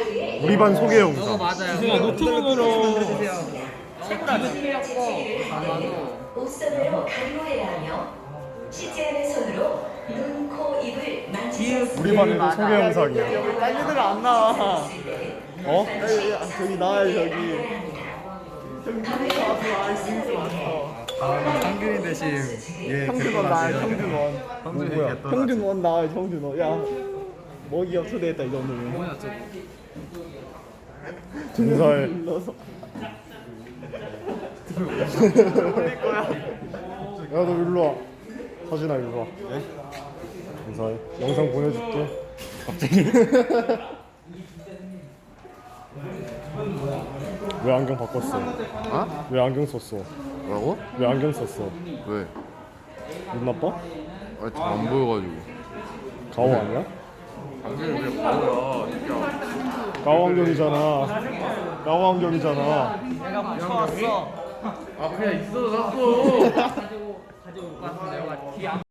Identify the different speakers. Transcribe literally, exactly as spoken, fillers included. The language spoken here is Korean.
Speaker 1: 우리 반 소개 영상.
Speaker 2: 맞아요.
Speaker 3: 지승아 노트북으로
Speaker 4: 옷선으로 가리호해야 하며 씻지 않은 손으로 눈, 코, 입을 만지지
Speaker 1: 우리 반에도 소개 영상이야.
Speaker 2: 여기 딴 애들은 안 나와.
Speaker 1: 어?
Speaker 2: 저기 나와요 저기. 저기
Speaker 5: 상균이 대신 얘
Speaker 2: 형준원 나와요 형준원.
Speaker 1: 누구야?
Speaker 2: 형준원 나와요 형준원. 야 먹이 없어되겠다 이 정도면. 뭐야 저거.
Speaker 1: 인사해.
Speaker 2: 불러서.
Speaker 1: 야, 너 일로 와. 서진아, 일로 와. 네? 인사해. 영상 보내줄게. 갑자기? 왜 안경 바꿨어?
Speaker 5: 어?
Speaker 1: 왜 안경 썼어?
Speaker 5: 뭐라고?
Speaker 1: 왜 안경 썼어?
Speaker 5: 왜?
Speaker 1: 눈 나빠?
Speaker 5: 아니 안 보여가지고.
Speaker 1: 가오 아니야?
Speaker 5: 안경이 왜 보여?
Speaker 1: 가오 안경이잖아. 가오 안경이잖아.
Speaker 2: 내가 붙여왔어.
Speaker 5: 아 그냥 있어 자꾸.
Speaker 2: 가지고 가지고 못 갔는데